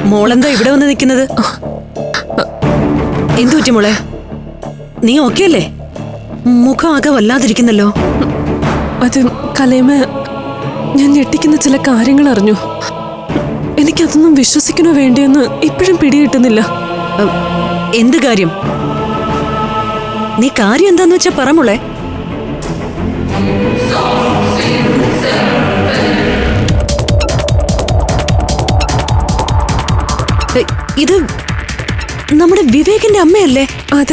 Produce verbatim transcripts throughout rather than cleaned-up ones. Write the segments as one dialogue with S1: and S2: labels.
S1: മോളെന്താ ഇവിടെ വന്ന് നിൽക്കുന്നത്? എന്തു പറ്റി മോളെ? നീ ഓക്കെ അല്ലേ? മുഖം ആകെ വല്ലാതിരിക്കുന്നല്ലോ.
S2: അത് കലേമ, ഞാൻ ഞെട്ടിക്കുന്ന ചില കാര്യങ്ങൾ അറിഞ്ഞു. എനിക്കതൊന്നും വിശ്വസിക്കണോ വേണ്ടിയെന്ന് ഇപ്പോഴും പിടികിട്ടുന്നില്ല.
S1: എന്ത് കാര്യം? നീ കാര്യം എന്താന്ന് വെച്ചാ പറ മോളെ. ഇത് നമ്മുടെ വിവേകിന്റെ അമ്മയല്ലേ?
S2: അതെ.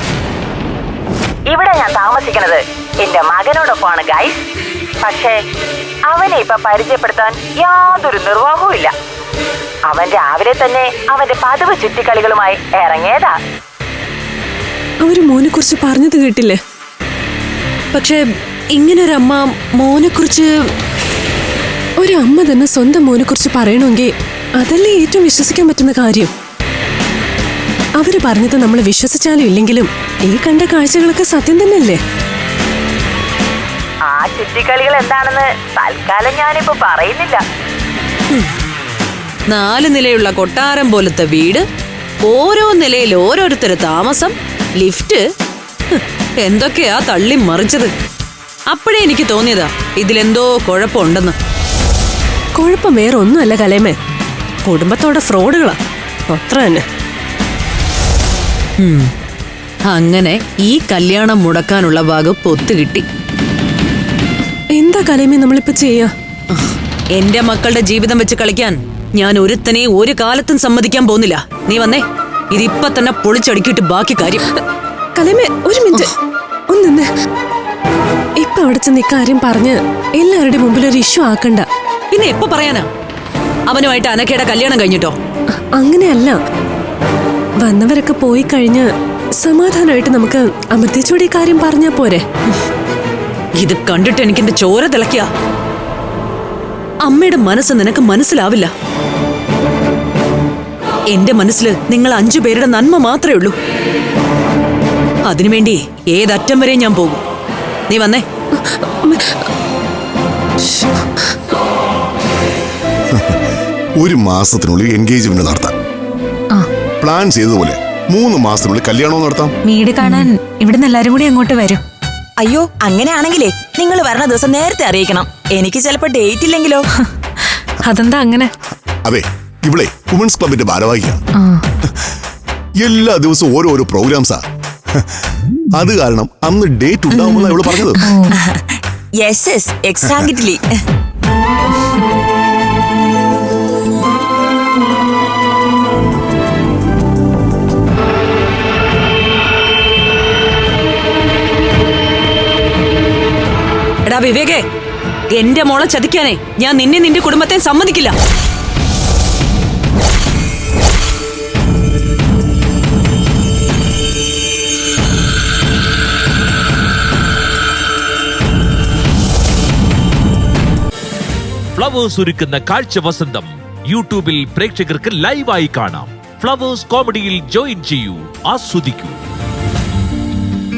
S3: ഇവിടെ ഞാൻ താമസിക്കുന്നത് എന്റെ മകനോടൊപ്പമാണ് ഗൈസ്. പക്ഷേ അവനെ ഇപ്പൊ പരിചയപ്പെടുത്താൻ യാതൊരു നിർവാഹവും ഇല്ല. അവൻ രാവിലെ തന്നെ അവന്റെ പതിവ് ചുറ്റിക്കളികളുമായി ഇറങ്ങിയതാ.
S2: അവര് മോനെ കുറിച്ച് പറഞ്ഞത് കേട്ടില്ലേ?
S1: പക്ഷെ ഇങ്ങനൊരമ്മ മോനെ കുറിച്ച്,
S2: ഒരു അമ്മ തന്നെ സ്വന്തം മോനെ കുറിച്ച് പറയണമെങ്കിൽ അതല്ലേ ഏറ്റവും വിശ്വസിക്കാൻ പറ്റുന്ന കാര്യം. അവര് പറഞ്ഞത് നമ്മൾ വിശ്വസിച്ചാലും ഇല്ലെങ്കിലും ഈ കണ്ട കാഴ്ചകളൊക്കെ സത്യം തന്നെയല്ലേ?
S3: ആ ചുറ്റിക്കളികൾ എന്താണെന്ന് തൽക്കാലം ഞാനിപ്പോ പറയുന്നില്ല.
S1: നാല് നിലയുള്ള കൊട്ടാരം പോലത്തെ വീട്, ഓരോ നിലയിൽ ഓരോരുത്തര് താമസം, ലിഫ്റ്റ്, എന്തൊക്കെയാ തള്ളി മറിച്ചത്. അപ്പോഴേ എനിക്ക് തോന്നിയതാ ഇതിലെന്തോ കുഴപ്പമുണ്ടെന്ന്.
S2: കുഴപ്പം വേറെ ഒന്നുമല്ല കലേമേ, കുടുംബത്തോടെ ഫ്രോഡുകളാ, അത്ര തന്നെ.
S1: അങ്ങനെ ഈ കല്യാണം മുടക്കാനുള്ള വകുപ്പ് ഒത്തുകിട്ടി.
S2: എന്താ കലേമേ നമ്മളിപ്പോ ചെയ്യാ?
S1: എന്റെ മക്കളുടെ ജീവിതം വെച്ച് കളിക്കാൻ ഞാൻ ഒരുത്തനെ ഒരു കാലത്തും സമ്മതിക്കാൻ പോകുന്നില്ല. നീ വന്നേ, ഇതിപ്പോ തന്നെ പൊളിച്ചടുക്കിയിട്ട് ബാക്കി കാര്യം.
S2: കലേമേ ഒരു മിനിറ്റ് ഒന്ന്. ഇപ്പൊ അവിടെ ചെന്ന് ഇക്കാര്യം പറഞ്ഞ് എല്ലാവരുടെ മുമ്പിൽ ഒരു ഇഷ്യൂ ആക്കണ്ട.
S1: പിന്നെ എപ്പോ പറയാനാ? അവനുമായിട്ട് അനക്കയുടെ കല്യാണം കഴിഞ്ഞിട്ടോ?
S2: അങ്ങനെയല്ല, വന്നവരൊക്കെ പോയി കഴിഞ്ഞ് സമാധാനമായിട്ട് നമുക്ക് അമൃതിച്ചോട് ഈ കാര്യം പറഞ്ഞാ പോരെ?
S1: ഇത് കണ്ടിട്ട് എനിക്ക് എന്റെ ചോര തിളക്കിയ. അമ്മയുടെ മനസ്സ് നിനക്ക് മനസ്സിലാവില്ല. എന്റെ മനസ്സിൽ നിങ്ങൾ അഞ്ചു പേരുടെ നന്മ മാത്രമേ ഉള്ളൂ. അതിനുവേണ്ടി ഏതറ്റം വരെ ഞാൻ പോകും. നീ വന്നേ.
S4: ഒരു മാസത്തിനുള്ളിൽ എൻഗേജ്മെന്റ് നടത്താം. പ്ലാൻ ചെയ്തതുപോലെ മൂന്ന് മാസത്തിനുള്ളിൽ കല്യാണം നടത്താം.
S5: വീട് കാണാൻ ഇവിടുന്ന് എല്ലാരും കൂടി അങ്ങോട്ട് വരും.
S3: അയ്യോ, അങ്ങനെയാണെങ്കിലേ നിങ്ങൾ വരണ ദിവസം നേരത്തെ അറിയിക്കണം. എനിക്ക് ചിലപ്പോ ഡേറ്റ് ഇല്ലെങ്കിലോ?
S5: അതെന്താ അങ്ങനെ?
S4: അതെ, ഇവിടെ വുമൻസ് ക്ലബിന്റെ ഭാരവാഹിയാണ്. എല്ലാ ദിവസവും ഓരോരോ പ്രോഗ്രാംസാ. അത് കാരണം അന്ന് ഡേറ്റ് ഉണ്ടാവുമെന്നാണ് ഇവിടെ പറഞ്ഞത്.
S3: Yes yes exactly.
S1: എടാ വിവേകേ, എന്റെ മോളെ ചതിക്കാനേ ഞാൻ നിന്നെ നിന്റെ കുടുംബത്തെ സമ്മതിക്കില്ല.
S6: ഫ്ലവേഴ്സ് ഒരുക്കുന്ന കാഴ്ച വസന്തം യൂട്യൂബിൽ പ്രേക്ഷകർക്ക് ലൈവായി കാണാം. ഫ്ലവേഴ്സ് കോമഡിയിൽ ജോയിൻ ചെയ്യൂ, ആസ്വദിക്കൂ.